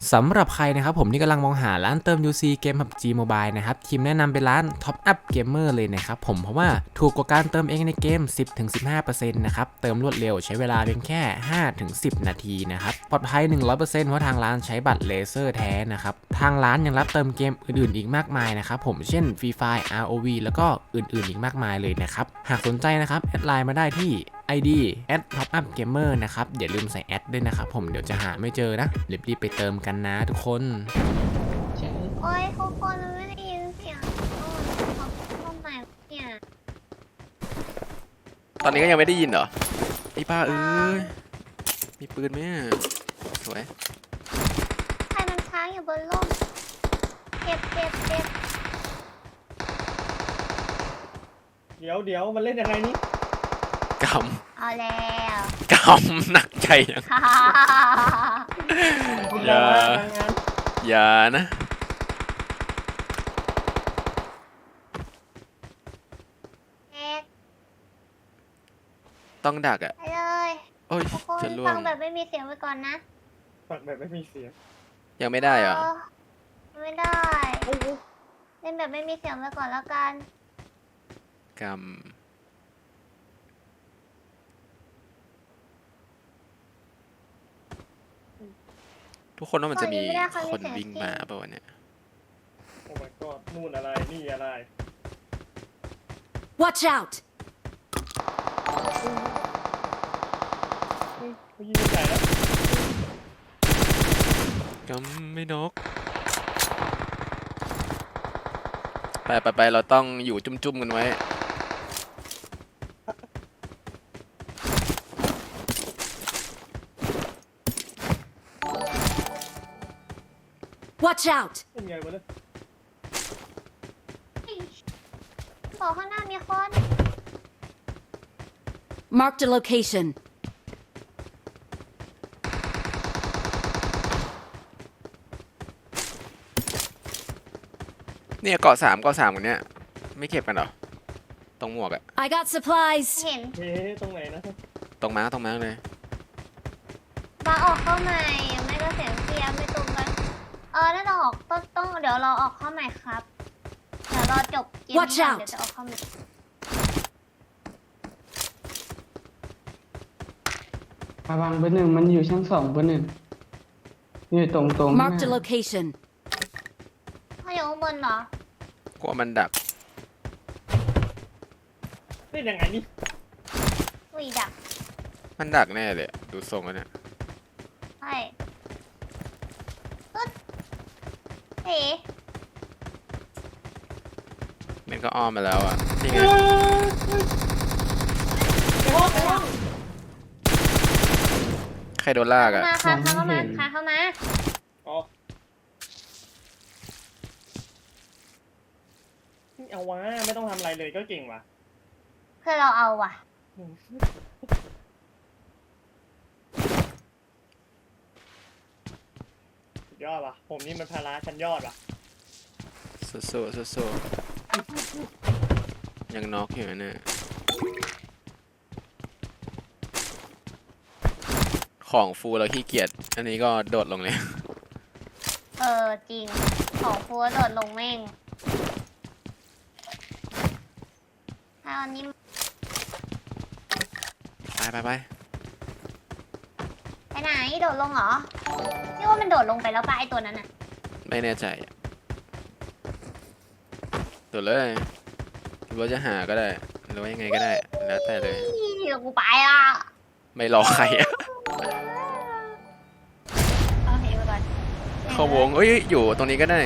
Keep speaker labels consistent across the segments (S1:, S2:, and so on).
S1: สำหรับใครนะครับผมที่กำลังมองหาร้านเติม UC เกม PUBG Mobile นะครับทีมแนะนำเป็นร้าน Top Up Gamer เลยนะครับผมเพราะว่าถูกกว่าการเติมเองในเกม 10-15% นะครับเติมรวดเร็วใช้เวลาเพียงแค่ 5-10 นาทีนะครับปลอดภัย 100% เพราะทางร้านใช้บัตรเลเซอร์แท้นะครับทางร้านยังรับเติมเกมอื่นๆอีกมากมายนะครับผมเช่น Free Fire ROV แล้วก็อื่นๆอีกมากมายเลยนะครับหากสนใจนะครับแอดไลน์มาได้ที่ ID @topupgamer นะครับอย่าลืมใส่แอดด้วยนะครับผมเดี๋ยวจะหาไม่เจอนะรีบๆไปเติมกันนะทุกคน
S2: โอ้ยทุกคนไม่ได้ยินเสียงเขาเข้ามาเนี่ย
S3: ตอนนี้ก็ยังไม่ได้ยินเหรอไอ้ป้าเอ้ยมีปืนไหมอะสวย
S2: ใครมันค้างอยู่บนร่มเจ็บ
S4: เดี๋ยวมันเล่นยังไงนี่
S3: ก
S2: เอาแล้ว
S3: ำกำหนักใจยัง
S2: ฮ่า
S3: อย่า
S4: งาน
S3: อย่านะ
S2: แอ๊ก
S3: ต้องดักอ่ะ
S2: ไปเลย
S3: โอ้ย
S2: ทุกคน
S3: จะล่ว
S2: ฟั
S3: ง
S2: งแบบไม่มีเสียงไว้ก่อนนะ
S4: ฝักแบบไม่มีเสียง
S3: ยังไม่ได้เหรอ
S2: ไม่ได้ เล่นแบบไม่มีเสียงไว้ก่อนแล้วกัน
S3: กำทุกคนว่ามันจะมีคนวิ่งมาป่าวะเนี่ย
S4: โอ้ my god นู่นอะไรนี่อะไร
S5: Watch out!
S4: เขายิงใหญ่แล้ว
S3: กำไม่นกไปเราต้องอยู่จุ่มๆกันไว้
S5: Watch out!
S4: เป็นไงวะเนี่ย
S2: บอกข้างหน้ามีคน
S5: Marked a location.
S3: เนี่ยเกาะสามกันเนี่ยไม่เก็บกันเหรอตรงหมวกอะ
S5: I got supplies.
S2: เห็น
S4: เฮ้ตรงไหนนะ
S3: ตรงม้าเลย
S2: บาออกเข้าใหม่ไม่ก็เสียงเทียไม่ตรงกันน่าจะออกต้องเดี๋ยวเราออกเข้าใหม่ครับ เดี๋ยวรอจบเกม
S5: Watch
S2: นี้ก่อน
S5: out
S2: เดี๋ยวจะออกเข้าใหม่
S6: ระวังเบอร์หนึ่งมันอยู่ชั้น2เบอร์หนึ่งอยู่ตรงข้างห
S5: Marked a
S6: น้า
S5: location.
S2: เขาอยู่ข้างบนเหรอก
S3: ลัวมันดัก
S4: เล่นยังไงนี่
S2: อุ้ยดัก
S3: มันดักแน่เลยอะดูทรงแล้วเนี่ย
S2: ใช่ปึ๊ดเอ๋
S3: มันก็อ้อมมาแล้วอ่ะนี่ไง
S4: ในห้อง
S3: ใครโดนลากอ่ะ
S2: มาค่ะเข้ามาค่ะเข้ามา
S4: อ๋อนี่เอาวะไม่ต้องทำอะไรเลยก็เก่งว่ะ
S2: เพื่อเราเอาว่ะ
S4: สุดยอดว่ะผมนี่มันภาระชั้นยอดว่ะ
S3: สู้ยังน็อกอยู่นะเนี่ยของฟูเราขี้เกียจอันนี้ก็โดดลงเลย
S2: จริง ของฟัวโดดลงแม่งถ้าอันนี้
S3: ไป
S2: ไปไหนโดดลงเหรอพี่ว่ามันโดดลงไปแล้วป่ะไอตัวนั้นน่ะ
S3: ไม่แน่ใจอะโดดเลยหรือว่าจะหาก็ได้หรือว่ายังไงก็ได้แล้วแต่เลย
S2: เดี๋ยวกูไปอ่ะ
S3: ไม่รอใครอะ
S2: เอาเหไปก่อน
S3: เข้าวงเอ้ยอยู่ตรงนี้ก็ได้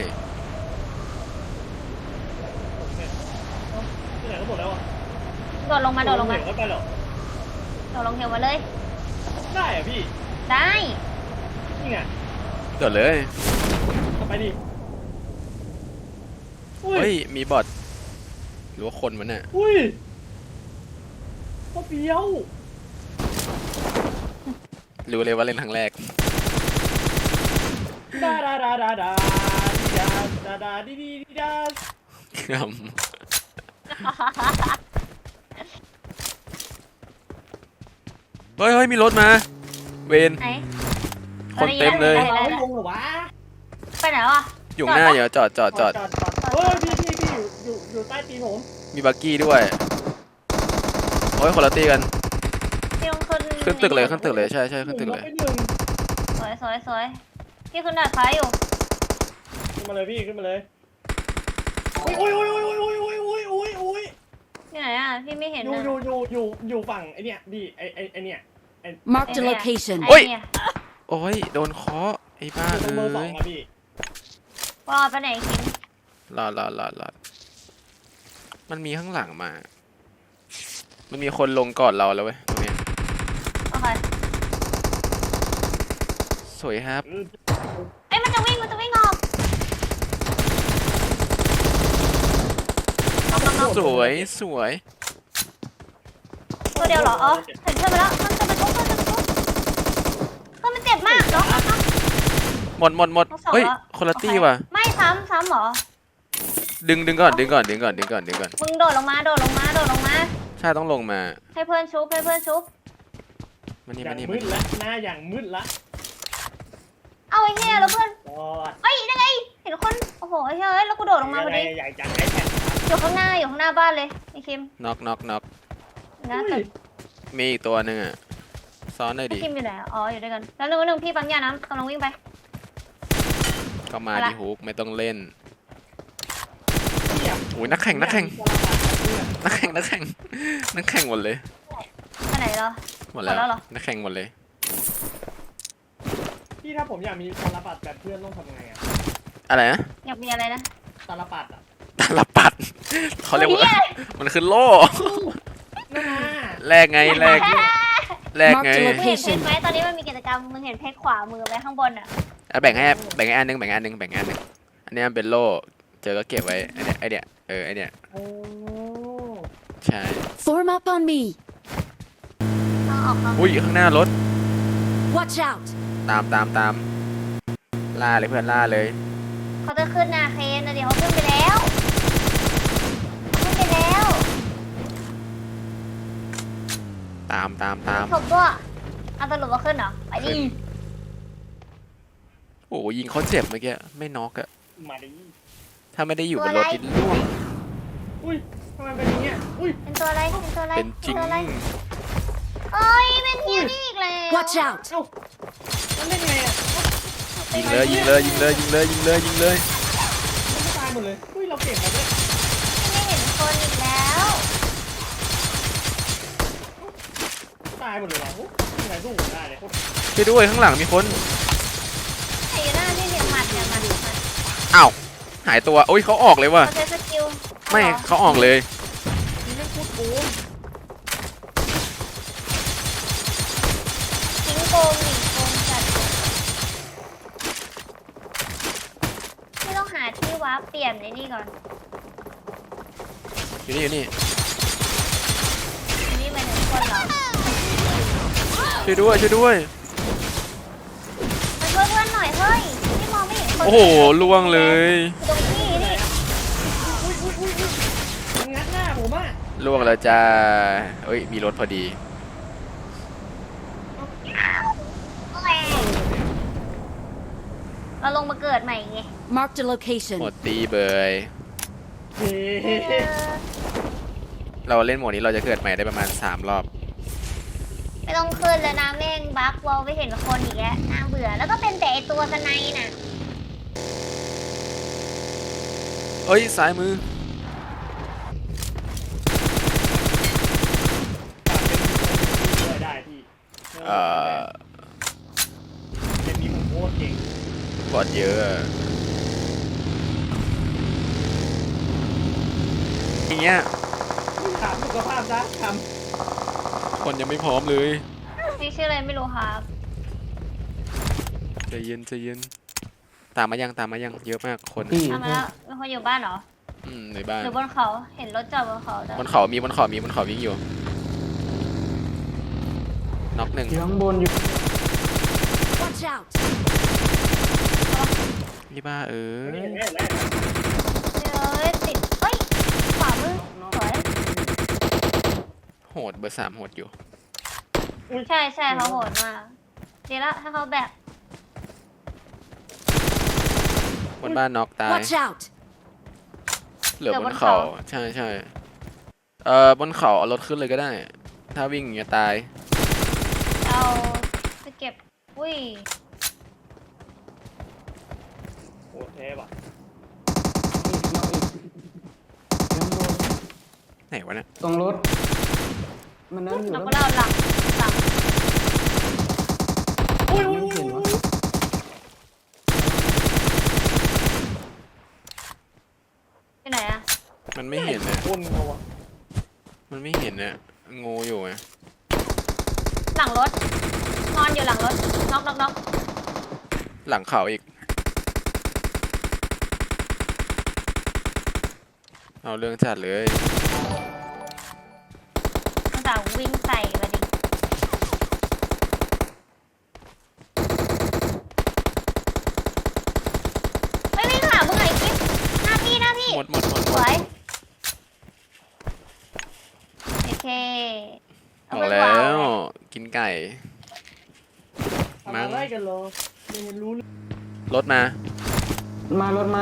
S4: ที่ไหนก็หมดแล้วอ่ะ
S2: โดดลงมา
S4: เหวก็ไปหรอ
S2: โดดลงเหวมาเลย
S4: ได้อะพี่
S2: ได้
S4: นี่ไง
S3: โดดเลย
S4: ทำไปดิ
S3: เฮ้ยมีบอทหรือว่าคนมันน่ะ
S4: อุ้ยก็เบี้ยว
S3: รู้เลยว่าเล่นครั้งแรก
S4: ดาดีดา
S3: ครับ เฮ้ยมีรถมา เวน
S2: ไหน
S3: คนเต็มเลย
S4: เราไม่ลงเหรอวะ
S2: ไปไหนวะ
S3: อยู่หน้าเดี๋ยวจอด
S4: เฮ้ยพี่อยู่ใต้ตีนผม
S3: มีบักกี้ด้วยโอ้ยคนละตีกัน
S2: พี่ลงขึ้น
S3: ขึ้นตึกเลยขึ้นตึกเลยใช่ขึ้นตึกเลย
S4: ไปหนึ่ง
S2: สวยพี่ขึ้นดาดฟ้าอยู่
S4: ขึ้นมาเลยพี่ขึ้นมาเลยอุ้ย
S2: ที่ไหนอ่ะพี่ไม่เห็น
S4: อยู่
S2: นะ
S4: อยู่ฝั่งไอเนี้ยพี่ไอเนี้ย
S5: Marked a location.
S2: ไอ้เนี่ย
S3: โอ้ยโดนเคาะไอ้บ้า
S4: อยู่ตรงเบอร์สอ
S3: เอ้
S4: ง
S3: ย
S4: อะพี่
S2: ว่าไปไหนคิม
S3: รอมันมีข้างหลังมา มันมีคนลงก่อนเราแล้วเว้ยตรงเนี้ย
S2: โอเค
S3: สวยครับ
S2: เอ้ยมันจะวิ่งออกน้อง
S3: สวย
S2: ตัวเดียวเหรออ๋อเห็นเพื่อนไปแล้วมันจะไปทุบมันเจ็บมากเนาะ
S3: หมดเฮ้ยคนละตี้ว่ะ
S2: ไม่ซ้ำเหรอ
S3: ดึงก่อน
S2: มึงโดดลงมา
S3: ใช่ต้องลงมา
S2: ให้เพื่อนชุบ
S3: มันนี่
S4: อย่างมืดละหน้าอย่างมืดละ
S2: เอาไอ้เหี้ยแล้วเพื่อน
S4: จอด
S2: เฮ้ยยังไงเห็นคนโอ้โหเฮ้ยแล้วกูโดดลงมาพอดี
S4: ใหญ่จังไอ้แผ่น
S2: อยู่ข้างหน้าบ้านเลยไอ้คิม
S3: น็อก
S2: นะแต่
S3: มีอีกตัวหนึงอ่ะซ้อนหน่อย
S2: ไอ้
S3: ดิ
S2: คิมอยู่ไหนอ๋ออยู่ด้วยกันแล้วนึงพี่ปังยาน้ำกำลังวิ่งไป
S3: ก็มา
S2: ไปละ
S3: ดิฮุกไม่ต้องเล่น
S4: เทียบ
S3: โอ้ยนักแข่งหมดเลย
S2: ไปไหนเหรอ
S3: หมดแล้ว
S2: หมดแล้วเหรอ
S3: นักแข่งหมดเลย
S4: พี่ถ้าผมอยากมีตาลปัดแบบเพื่อนต้องทำไงอะ
S3: อะไรนะ
S2: อยากมีอะไรนะ
S4: ตาลปัดอะ
S3: ตาลปัดเขาเรียกว่า
S2: หี้
S3: มันคือโล่
S4: น่า
S3: แลกไง
S2: Marked a
S3: ไง
S2: มึงเห็นเพจไหมตอนนี้มันมีกิจกรรมมึงเห็นเพจขวามือไว้ข้างบนอ่ะ
S3: แบ่งให้อันนึงอันนี้มันเป็นโล่เจอก็เก็บไว้ไอเนี้ยไอเนี้ย
S4: โอ้
S3: ใช่
S5: Form up on me.
S2: ต้องออกมา
S3: อุ้ยข้างหน้ารถ
S5: Watch out.
S3: ตามล่าเลยเพื่อนล่าเลย
S2: เขาจะขึ้นนาเคนนะเดี๋ยวเขาขึ้นไปแล้ว
S3: ตาม
S2: จบด้วยเอาสรุปว่าขึ้นเหรอไปดิ
S3: โอ้ยิงเขาเจ็บเมื่อกี้ไม่น็อกอะ
S4: มาดิ
S3: ถ้าไม่ได้อยู่บนรถนี่ล่วง
S4: อุ้ยทำไมเป็นอย่างเงี้ยอุ้ย
S2: เป็นตัวอะไร
S3: เป็นจริง
S2: ตัวอะไรเอ้ยเป็นเฮียนี่อีกแล้ว
S5: Watch out.
S4: เอ้ามันได้ไงอะ
S3: ยิงเลย
S4: มันไม่ตายหมดเลยอุ้ยเราเก่งมาด้วย
S2: ไม่เห็นคนอีกแล้ว
S4: ตายหมดเลยว่ะโอ้ยังไงสู้ผมได้เลยโคตร
S3: ช่วยด้วยข้างหลังมีคน
S2: ไอ้หน้าที่เนี่ยหมัด
S3: อ้าวหายตัวโอ้ยเขาออกเลยว่ะ
S2: เขาใช้สกิล
S3: ไม่เขาออกเลย
S4: นี่แม่งโคตรโกง
S2: ทิ้งโกงหนีโกงจัดไม่ต้องหาที่วาร์ปเปลี่ยนไอ้นี่ก่อน
S3: อยู่นี่
S2: นี่เป็นคนเหรอ
S3: ช่วยด้วย
S2: มาช่วยเพื่อนหน่อยเฮ้ยที่มองไม่เห็นคน
S3: โอ้โหล่วงเลย
S2: ตรงนี้นี่
S4: อุ้ยมันงัดหน้าผมอะ
S3: ล่วงแล้วจ้าเอ้ยมีรถพอดี
S2: เราลงมาเกิดใหม่ไง
S5: Marked a location.
S3: หมดตีเบย
S4: เฮ้
S3: เราเล่นโหมดนี้เราจะเกิดใหม่ได้ประมาณ3 รอบ
S2: ไม่ต้องขึ้นแล้วนะแม่งบั๊กวอลไปเห็นคนอีกแล้วน่าเบื่อแล้วก็เป็นแต่ไอตัวสไนน่ะ
S3: เอ้ยซ้ายมือ
S4: ได้พี่
S3: เอ่อ
S4: เป็นมีผมโคตรเก่ง
S3: บอดเยอะอะอย่างเงี้ย
S4: ถามสุขภาพซะท
S3: คนยังไม่พร้อมเลย
S2: พี่ชื่ออะไรไม่รู้ครับ
S3: ใจเย็นตามมายังเยอะมากคน
S6: พี่
S2: ทำมาแล้วมีคนอยู่บ้านเหรอ
S3: ในบ้าน
S2: หรือบนเขาเห็นรถจอดบนเขาแต่
S3: บนเขาวิ่งอยู่น็อกหนึ่ง
S6: อยู่ข้างบนอยู่
S5: Watch out.
S3: นี่บ้าเอ้
S4: ำ
S3: ย
S4: เนี่ย
S2: เฮ้ยติดเฮ้ยขวามือสวย
S3: โหดเบอร์ 3โหดอยู่
S2: ใช่เขาโหดมากดีละถ้าเขาแบบ
S3: บ้านน็อกตาย
S5: Watch out!
S3: เหลือบนเขาใช่ใช่บนเขาเอารถขึ้นเลยก็ได้ ถ้าวิ่งอย่างเงี้ยตาย
S2: เอาไปเก็บอุ้ย
S4: โอ้แท้ว่ะ
S6: อีกนอกอีกยังโดน
S3: ไหนวะเนี่ย
S6: ตรงรถ มันนั่นอยู่
S2: เรา
S6: แล้ว
S2: ก็เล่าหลังหลัง
S4: อุ้ย
S6: ไม่เห็นวะ
S2: ไปไหนอะ
S3: มันไม่เห็นเนี่ย
S4: คนเขาอ่ะ
S3: มันไม่เห็นเนี่ยงูอยู่ไง
S2: หลังรถนอนอยู่หลังรถน็อกน็อกน็อก
S3: หลังเขาอีก เอาเรื่องจัดเลย
S2: มันจะวิ่งใส่มาดิไม่วิ่งหามึงไอ้กิ๊บหน้าพี่หน้าพี่
S3: หมดหมดหมดห
S2: ส
S3: มด
S2: วยโอเค
S3: บ
S2: เอา
S3: อก
S2: ไป
S3: แล้ว
S2: าว
S3: วกินไก่
S4: ทำอะไรกันเหรอไม่เห็นรู้เลย
S3: รถมา
S6: รถมา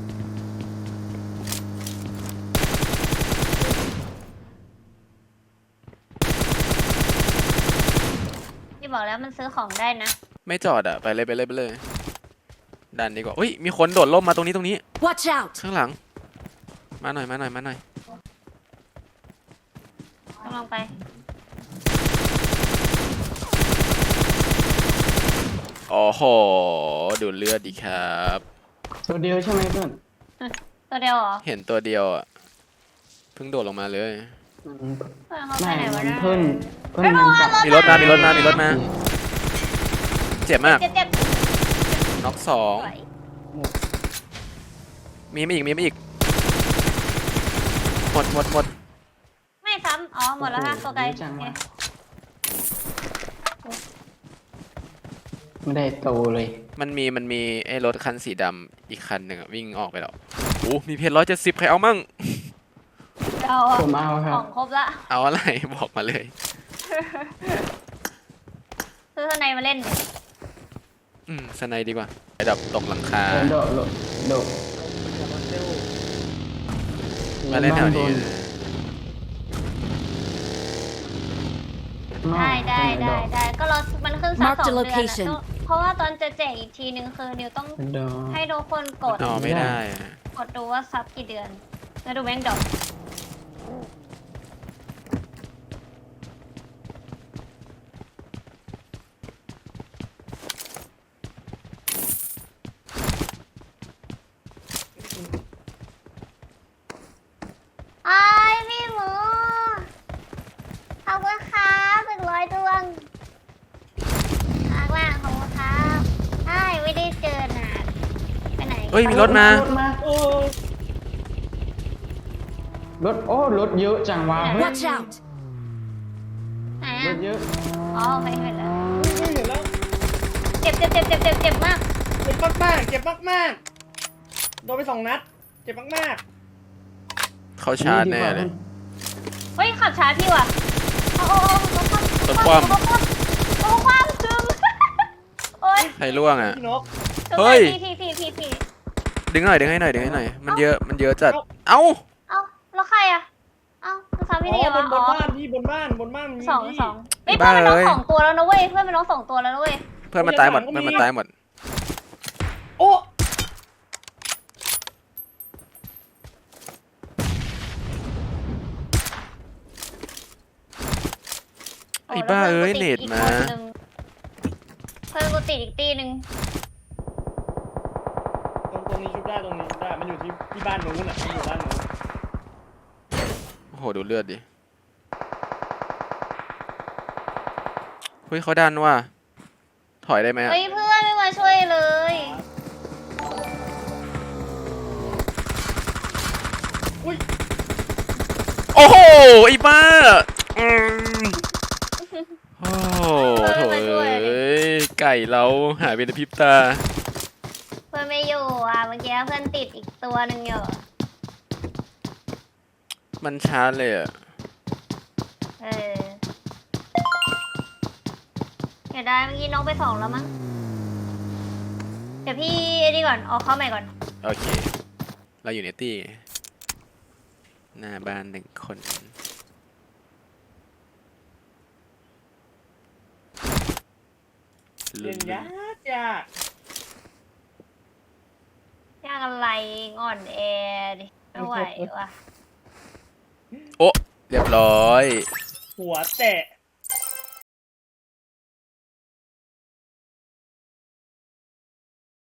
S2: พี่บอกแล้วมันซื้อของได้นะ
S3: ไม่จอดอ่ะ ไปเลยไปเลยไปเลย ดันดีกว่าอุ้ย มีคนโดดร่มมาตรงนี้ตรงนี้
S5: Watch out!
S3: ข้างหลัง มาหน่อยมาหน่อยมาหน่อย
S2: ต้องลองไป
S3: โอ้โห ดูดเลือดดีครับ
S6: ตัวเดียวใช่ไหมเพื่อน
S2: ตัวเดียวเหรอ
S3: เห็นตัวเดียวอ่ะ เพิ่งโดดลงมาเลย
S2: เพื่อนเขาไป
S6: ไม่
S2: ไหนวะ
S6: มัน
S2: เนี่ย
S6: เพิ่นมันกลับ
S3: มีรถมา มีรถมา มีรถมา เจ็บมาก
S2: เจ็บเจ็บ
S3: น็อกสอง
S2: สวย
S3: มีไม่อีก มีไม่อีก หมดหมดหมด
S2: ไม่ซ้ำอ๋อหมดแล้วฮะตัวไกล
S6: โอ้โหเยอะจัง
S2: โอ
S6: วะ
S2: เค
S6: ไม่ได้โตเลย
S3: มันมีไอ้รถคันสีดำอีกคันหนึ่งอะวิ่งออกไปแล้วโอ้มีเพจ170ใครเอามั่ง
S2: เรา
S6: ผมเอาค
S2: ข
S6: รั
S2: อบ งครบละ
S3: เอาอะไร บอกมาเลย
S2: ซื้อข้างในมาเล่นดิ
S3: สไนดีกว่าไอ้ดับตกหลังคา
S6: โดดโดด
S4: อย่ามาเซล
S3: มาเล่นแถวนี้
S2: ได้ได้ได้ได้ก็รอมันขึ้นสัก
S5: Mark
S2: 2
S5: the
S2: เดือน
S5: location
S2: อะเพราะว่าตอนจะแจกอีกทีนึงคือนิวต้อง
S6: โดด
S2: ให้ทุกคนกด
S3: อ๋อไม่ได้อะ
S2: กดดูว่าซับกี่เดือน แล้วดูแบงค์ดอกไอ้ายพี่หมูขอบคุณครับ100 ดวงมากมากขอบคุณครับใช่ไม่ได้เจอนานไปไหน
S3: เฮ้ย มีรถมา
S4: โอ้
S6: รถเยอะจังวะเฮ้ย
S5: Watch out!
S2: ไหน
S6: ร
S2: อ่ะ
S6: ถเยอะ
S2: อ๋อไม่เห็นแล้ว
S4: ไม่เห็นแล้ว
S2: เจ็บมาก
S4: เจ็บมากๆเจ็บมากๆโดนไป2 นัด เจ็บมาก
S3: เขาชาร์จแน่เลย
S2: เฮ้ยขับช้าพี่ว่ะโอ้โอ้โอ้
S3: รถคว่ำ
S2: โอ้ความซึมโอ้ย
S3: ใครล่วงอ่ะ
S4: ๆพี่นก
S3: เฮ้ย
S2: พี่
S3: ดึงหน่อยดึงให้หน่อยดึงให้หน่อย มันเยอะจัด เอ้า
S2: เอ้าแล้วใครอ่ะเอ้ามันซ้ำพี่
S4: อ๋
S2: เดี
S4: อ
S2: ยว
S4: บ
S2: อ๋
S4: น
S2: อ
S4: บ้านพี่บนบ้านมันมี
S2: สอง
S4: พี่
S2: เฮ้ยเพื่อนมันน้อง
S3: บ้าเลย
S2: 2 ตัวแล้วนะเว้ยเพื่อนมันน้อง2 ตัวแล้วนะเว้ย
S3: เพื่อนมันตายหมด เพื่อนมันตายหมด
S4: โอ้
S3: ไอ้บ้าเอ้ยเน็ตมา
S2: เพื่อนกูติดอีกตีหนึ่ง
S4: ตรงนี้ชุบได้ตรงนี้ชุบได้มันอยู่ที่บ้านนู้นอ่ะมันอยู่บ้านนู้น
S3: โอ้โห ดูเลือดดิ เฮ้ยเขาดันว่ะ ถอยได้ไหมอะ
S2: เฮ้ยเพื่อนไม่มาช่วยเลย
S3: โอ้โห ไอ้บ้าอืมโอ้โหโถเอ้ย ไก่เราหายไปในพริบตา
S2: เพื่อนไม่อยู่อ่ะเมื่อกี้เพื่อนติดอีกตัวหนึ่งอยู่
S3: มันชาร์จเลยอ่ะ
S2: เออเดี๋ยวได้เมื่อกี้น้องไป2แล้วมั้ง เดี๋ยวพี่ไอ้นี่ก่อนออกเข้าใหม่ก่อน
S3: โอเค เราอยู่ในตี้หน้าบ้านหนึ่งคน
S4: เล่นยากยาก
S2: ยากอะไรอ่อนแอดิไม่ไหวว่ะ
S3: โอ้เรียบร้อย
S4: หัวแตะ